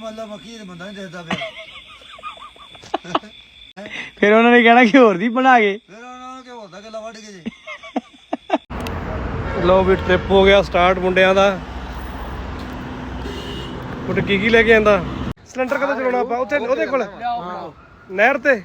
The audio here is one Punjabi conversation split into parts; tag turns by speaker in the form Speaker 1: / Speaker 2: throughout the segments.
Speaker 1: ਮੱਲਾ ਮੱਕੀ ਦੇ ਬੰਦਾ ਨਹੀਂ ਦੇਖਦਾ ਪਿਆ।
Speaker 2: ਫਿਰ ਉਹਨਾਂ ਨੇ ਕਹਿਣਾ ਕਿ ਹੋਰ ਦੀ ਬਣਾ ਕੇ
Speaker 1: ਫਿਰ ਉਹਨਾਂ ਨੂੰ ਕਿ ਹੋਰ ਦਾ ਗੱਲਾਂ ਵੱਢ ਕੇ ਜੇ।
Speaker 3: ਲਓ ਵੀ ਟ੍ਰਿਪ ਹੋ ਗਿਆ ਸਟਾਰਟ ਮੁੰਡਿਆਂ ਦਾ। ਮੁੰਡੇ ਕੀ ਲੈ ਕੇ ਆਂਦਾ? ਸਿਲੰਡਰ ਕਦੋਂ ਚਲਾਉਣਾ ਆਪਾਂ ਉੱਥੇ ਉਹਦੇ ਕੋਲ ਨਹਿਰ ਤੇ।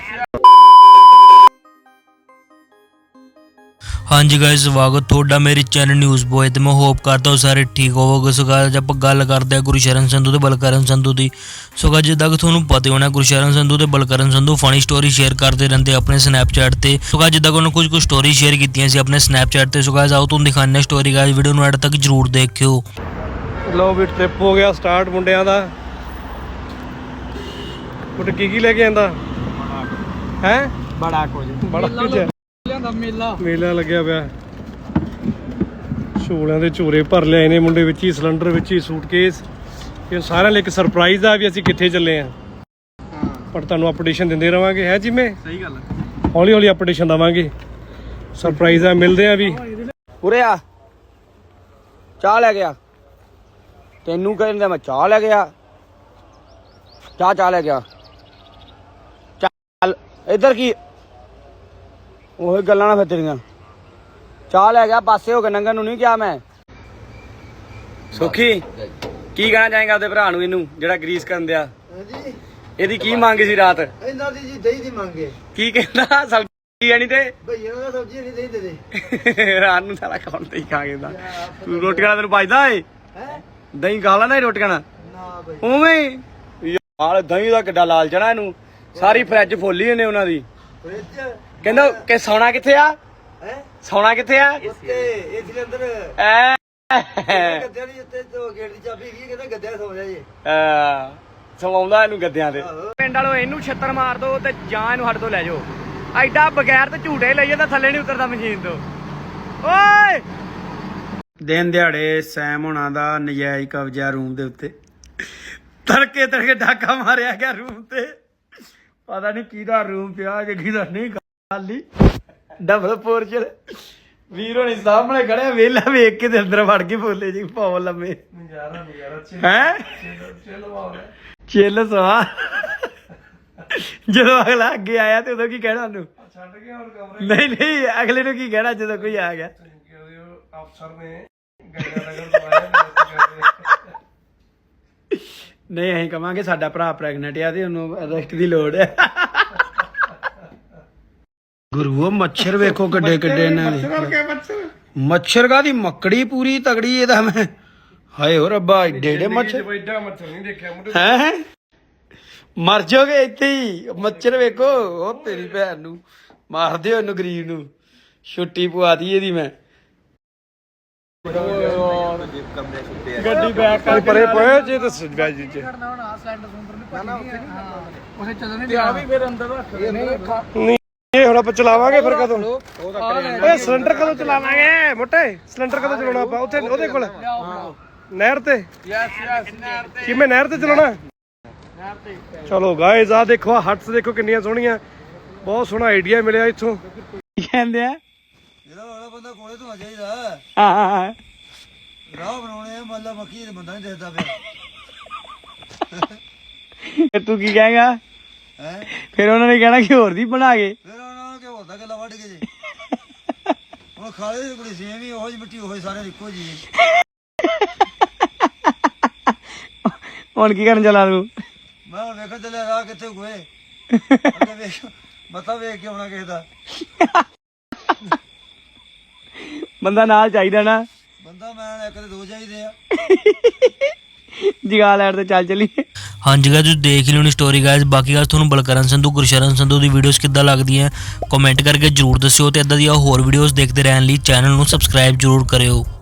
Speaker 4: ਹਾਂਜੀ ਗਾਇਸ ਸਵਾਗਤ ਤੁਹਾਡਾ ਮੇਰੇ ਚੈਨਲ ਨਿਊਜ਼ ਬॉय ਤੇ ਮੈਂ ਹੋਪ ਕਰਦਾ ਹਾਂ ਸਾਰੇ ਠੀਕ ਹੋਵੋਗੇ। ਸੋ ਗਾਇਸ ਆਪਾਂ ਗੱਲ ਕਰਦੇ ਹਾਂ ਗੁਰਸ਼ਰਨ ਸੰਧੂ ਤੇ ਬਲਕਰਨ ਸੰਧੂ ਦੀ। ਸੋ ਗਾਇਸ ਜਿੱਦਾਂ ਕਿ ਤੁਹਾਨੂੰ ਪਤਾ ਹੋਣਾ ਗੁਰਸ਼ਰਨ ਸੰਧੂ ਤੇ Balkaran Sandhu funny story share ਕਰਦੇ ਰਹਿੰਦੇ ਆਪਣੇ ਸਨੈਪਚੈਟ ਤੇ। ਸੋ ਗਾਇਸ ਜਿੱਦਾਂ ਕਿ ਉਹਨਾਂ ਕੁਝ ਸਟੋਰੀ ਸ਼ੇਅਰ ਕੀਤੀਆਂ ਸੀ ਆਪਣੇ ਸਨੈਪਚੈਟ ਤੇ। ਸੋ ਗਾਇਸ ਆਓ ਤੁਹਾਨੂੰ ਦਿਖਾਉਂਦੇ ਹਾਂ ਸਟੋਰੀ। ਗਾਇਸ ਵੀਡੀਓ ਨੂੰ ਐਡ ਤੱਕ ਜਰੂਰ ਦੇਖਿਓ।
Speaker 3: ਲਓ ਵੀ ਟ੍ਰਿਪ ਹੋ ਗਿਆ ਸਟਾਰਟ ਮੁੰਡਿਆਂ ਦਾ। ਮੁੰਡੇ ਕੀ ਲੈ ਕੇ ਆਂਦਾ ਹੈ?
Speaker 2: ਬੜਾ ਕੁਝ
Speaker 3: ਮੇਲਾ ਲੱਗਿਆ ਪਿਆ। ਝੋਲਿਆਂ ਦੇ ਝੋਰੇ ਭਰ ਲਿਆਏ ਨੇ ਮੁੰਡੇ, ਵਿੱਚ ਹੀ ਸਿਲੰਡਰ, ਵਿੱਚ ਹੀ ਸੂਟਕੇਸ। ਇਹ ਸਾਰਿਆਂ ਲਈ ਇੱਕ ਸਰਪ੍ਰਾਈਜ਼ ਆ ਵੀ ਅਸੀਂ ਕਿੱਥੇ ਚੱਲੇ ਆ। ਪਰ ਤੁਹਾਨੂੰ ਅਪਡੇਸ਼ਨ ਦਿੰਦੇ ਰਵਾਂਗੇ। ਹੈ ਜਿਵੇਂ
Speaker 2: ਸਹੀ ਗੱਲ
Speaker 3: ਹੌਲੀ ਹੌਲੀ ਅਪਡੇਸ਼ਨ ਦਵਾਂਗੇ। ਸਰਪ੍ਰਾਈਜ਼ ਆ, ਮਿਲਦੇ ਆ ਵੀ।
Speaker 2: ਉਰੇ ਆ, ਚਾਹ ਲੈ ਗਿਆ। ਤੈਨੂੰ ਕਹਿੰਦਾ ਮੈਂ ਚਾਹ ਲੈ ਗਿਆ। ਚਾਹ ਲੈ ਗਿਆ। ਚੱਲ ਇੱਧਰ ਕੀ ਉਹ ਗੱਲਾਂ ਨਾ ਫਿਰ ਤੇਰੀਆਂ। ਚਾਹ ਲੈ ਗਿਆ, ਪਾਸੇ ਹੋ ਕੇ ਨੰਗਨ ਨੂੰ ਨਹੀਂ ਕਿਹਾ ਮੈਂ। ਸੁਖੀ ਕੀ ਕਹਿਣਾ ਚਾਹੇਗਾ ਉਹਦੇ ਭਰਾ ਨੂੰ, ਇਹਨੂੰ ਜਿਹੜਾ ਗਰੀਸ ਕਰਨ ਦਿਆ?
Speaker 1: ਹਾਂਜੀ
Speaker 2: ਇਹਦੀ ਕੀ ਮੰਗ ਸੀ ਰਾਤ?
Speaker 1: ਇਹਨਾਂ ਦੀ ਜੀ ਦਹੀਂ ਦੀ ਮੰਗੇ।
Speaker 2: ਕੀ ਕਹਿੰਦਾ? ਸਬਜ਼ੀ ਆਣੀ ਤੇ
Speaker 1: ਭਈਆ ਨੂੰ ਸਬਜ਼ੀ ਨਹੀਂ ਦਹੀਂ ਦੇ ਦੇ।
Speaker 2: ਰਾਤ ਨੂੰ ਸਾਰਾ ਖਾਣ ਤੇ ਹੀ ਖਾ ਗਿਆ। ਤੂੰ ਰੋਟੀਆਂ ਤੈਨੂੰ ਭਜਦਾ ਏ?
Speaker 1: ਹੈ
Speaker 2: ਦਹੀਂ ਖਾ ਲੈਣਾ ਰੋਟੀਆਂ ਨਾਲ
Speaker 1: ਨਾ ਬਈ।
Speaker 2: ਉਵੇਂ ਯਾਰ ਦਹੀਂ ਦਾ ਕਿੱਡਾ ਲਾਲ ਚਣਾ ਇਹਨੂੰ। ਸਾਰੀ ਫਰਿੱਜ ਫੁੱਲੀ ਇਹਨੇ ਉਹਨਾਂ ਦੀ।
Speaker 1: ਫ੍ਰਿਜ
Speaker 2: ਕਹਿੰਦਾ ਕਿ ਸੌਣਾ ਕਿੱਥੇ ਆ?
Speaker 1: ਹੈ
Speaker 2: ਸੌਣਾ ਕਿੱਥੇ ਆ?
Speaker 1: ਉੱਤੇ ਇਸ ਦੇ ਅੰਦਰ
Speaker 2: ਐ
Speaker 1: ਗੱਦਿਆਂ ਦੀ ਉੱਤੇ ਤੋਂ ਗੇਟ ਦੀ ਚਾਬੀ ਕੀ ਕਹਿੰਦਾ ਗੱਦਿਆਂ ਸੌ ਜਾ ਜੇ।
Speaker 2: ਸਵਾਉਂਦਾ ਇਹਨੂੰ ਗੱਦਿਆਂ ਤੇ। ਪਿੰਡ ਵਾਲੋ ਇਹਨੂੰ ਛੱਤਰ ਮਾਰ ਦੋ ਤੇ ਜਾਂ ਇਹਨੂੰ ਸਾਡੇ ਤੋਂ ਲੈ ਜਾਓ। ਐਡਾ ਬਗੈਰ ਤੇ ਝੂਟੇ ਲਈਏ ਤਾਂ ਥੱਲੇ ਨਹੀਂ ਉਤਰਦਾ ਮਸ਼ੀਨ ਤੋਂ। ਓਏ ਦਿਨ ਦਿਹਾੜੇ ਸੈਮ ਹੋਣਾ ਦਾ ਨਜਾਇਜ਼ ਕਬਜ਼ਾ ਰੂਮ ਦੇ ਉੱਤੇ। ਤੜਕੇ ਡਾਕਾ ਮਾਰਿਆ ਗਿਆ ਰੂਮ ਤੇ। ਪਤਾ ਨਹੀਂ ਕਿਹਦਾ ਰੂਮ ਪਿਆ ਕਿ ਕਿਹਦਾ ਨਹੀਂ। ਖਾਲੀ ਡਬਲ ਪੋਰਚਲ। ਵੀਰ ਹੋਣੀ ਸਾਹਮਣੇ ਖੜਿਆ ਵੇਲਾ ਵੇਖ ਕੇ ਤੇ ਅੰਦਰ ਵੜ ਕੇ ਬੋਲੇ ਜੀ ਪਾਉ ਲੰਮੇ। ਹੈ ਚਿੱਲ ਸਵਾ। ਜਦੋਂ ਅਗਲਾ ਅੱਗੇ ਆਇਆ ਤੇ ਉਦੋਂ ਕੀ ਕਹਿਣਾ ਉਹਨੂੰ? ਨਹੀਂ ਅਗਲੇ ਨੂੰ ਕੀ ਕਹਿਣਾ ਜਦੋਂ ਕੋਈ ਆ ਗਿਆ?
Speaker 3: ਅਫਸਰ ਨੇ
Speaker 2: ਨਹੀਂ ਅਸੀਂ ਕਵਾਂਗੇ ਸਾਡਾ ਭਰਾ ਪ੍ਰੈਗਨੈਂਟ ਆ ਤੇ ਉਹਨੂੰ ਅਰੈਸਟ ਦੀ ਲੋੜ ਹੈ। ਗੁਰੂ ਮੱਛਰ ਵੇਖੋ ਕਿੱਡੇ ਇਹਨਾਂ ਦੇ। ਮੱਛਰ ਕਾਹਦੀ ਮੱਕੜੀ ਪੂਰੀ ਤਗੜੀ ਇਹਦਾ। ਮੈਂ ਹਾਏ ਹੋ ਰੱਬਾ ਏਡੇ ਮੱਛਰ
Speaker 3: ਨਹੀਂ ਦੇਖਿਆ
Speaker 2: ਹੈ। ਮਰ ਜਾਓਗੇ ਇੱਥੇ ਹੀ। ਮੱਛਰ ਵੇਖੋ। ਉਹ ਤੇਰੀ ਭੈਣ ਨੂੰ ਮਾਰ ਦਿਓ ਇਹਨੂੰ ਗਰੀਬ ਨੂੰ। ਛੁੱਟੀ ਪਵਾਤੀ ਇਹਦੀ ਮੈਂ।
Speaker 3: ਗੱਡੀ ਬੈਕ ਕਰ ਪਰੇ ਪਏ ਜੇ ਤੇ ਸਜਵਾ ਜੀ ਚ ਇਹ ਹੁਣ ਆਪਾਂ ਚਲਾਵਾਂਗੇ ਫਿਰ ਕਦੋਂ? ਓਏ ਸਿਲੰਡਰ ਕਦੋਂ ਚਲਾਵਾਂਗੇ ਮੋਟੇ? ਸਿਲੰਡਰ ਕਦੋਂ ਚਲਾਉਣਾ ਆਪਾਂ ਉੱਥੇ ਉਹਦੇ ਕੋਲ ਨਹਿਰ ਤੇ? ਕਿਵੇਂ ਨਹਿਰ ਤੇ ਚਲਾਉਣਾ? ਚਲੋ ਗਾਇਜ਼ ਆ ਦੇਖੋ, ਆ ਹਟਸ ਦੇਖੋ ਕਿੰਨੀਆਂ ਸੋਹਣੀਆਂ। ਬਹੁਤ ਸੋਹਣਾ ਆਈਡੀਆ ਮਿਲਿਆ ਇੱਥੋਂ।
Speaker 2: ਕੀ ਕਹਿੰਦੇ ਆ?
Speaker 1: ਜਿਹੜਾ ਵਾਲਾ ਬੰਦਾ ਕੋਲੇ ਤੋਂ ਆ ਜਾਈਦਾ।
Speaker 2: ਹਾਂ
Speaker 1: ਰਾਹ ਬਣਾਉਣੇ ਆ ਮੱਲਾ ਮੱਕੀ ਦੇ ਬੰਦਾ ਨਹੀਂ ਦੇਖਦਾ ਪਿਆ।
Speaker 2: ਤੂੰ ਕੀ ਕਹੇਗਾ?
Speaker 1: ਹੈ
Speaker 2: ਫਿਰ ਉਹਨਾਂ ਨੇ ਕਹਿਣਾ ਕਿ ਹੋਰ ਦੀ ਬਣਾ ਕੇ।
Speaker 1: ਫਿਰ ਉਹਨਾਂ ਨੂੰ ਕਿ ਹੋਰ ਦਾ ਗੱਲਾਂ ਵੱਢ ਕੇ ਜੇ। ਹੁਣ ਖਾਲੇ ਦੀ ਕੁੜੀ ਸੇਮ ਹੀ ਉਹੋ ਜਿਹੀ ਮਿੱਟੀ ਉਹੋ ਸਾਰੇ ਇੱਕੋ ਜੀ।
Speaker 2: ਹੁਣ ਕੀ ਕਰਨ ਚੱਲਾ ਤੂੰ?
Speaker 1: ਮੈਂ ਹੁਣ ਵੇਖਣ ਚੱਲਿਆ ਰਾਹ ਕਿੱਥੇ ਗੋਏ। ਅੱਗੇ ਵੇਖ ਮੱਥਾ ਵੇਖ ਕੇ ਆਉਣਾ ਕਿਸੇ ਦਾ।
Speaker 2: ਬੰਦਾ ਨਾਲ ਚਾਹੀਦਾ ਨਾ।
Speaker 1: ਬੰਦਾ ਮੈਂ ਇੱਕ ਤੇ ਦੋ ਚਾਹੀਦੇ ਆ।
Speaker 2: ਜਗਾ ਲੈਣ ਤੇ ਚੱਲ ਚੱਲੀਏ।
Speaker 4: ਹਾਂਜੀ ਗਾਇਸ ਤੁਸੀਂ ਦੇਖ ਲਿਓ ਨੀ ਸਟੋਰੀ ਗਾਇਸ। ਬਾਕੀ ਗਾਇਸ ਤੁਹਾਨੂੰ ਬਲਕਰਨ ਸੰਧੂ ਗੁਰਸ਼ਰਨ ਸੰਧੂ ਦੀ ਵੀਡੀਓਜ਼ ਕਿੱਦਾਂ ਲੱਗਦੀਆਂ ਕਮੈਂਟ ਕਰਕੇ ਜਰੂਰ ਦੱਸਿਓ। ਤੇ ਇਦਾਂ ਦੀਆਂ ਹੋਰ ਵੀਡੀਓਜ਼ ਦੇਖਦੇ ਰਹਿਣ ਲਈ ਚੈਨਲ ਨੂੰ ਸਬਸਕ੍ਰਾਈਬ ਜਰੂਰ ਕਰਿਓ।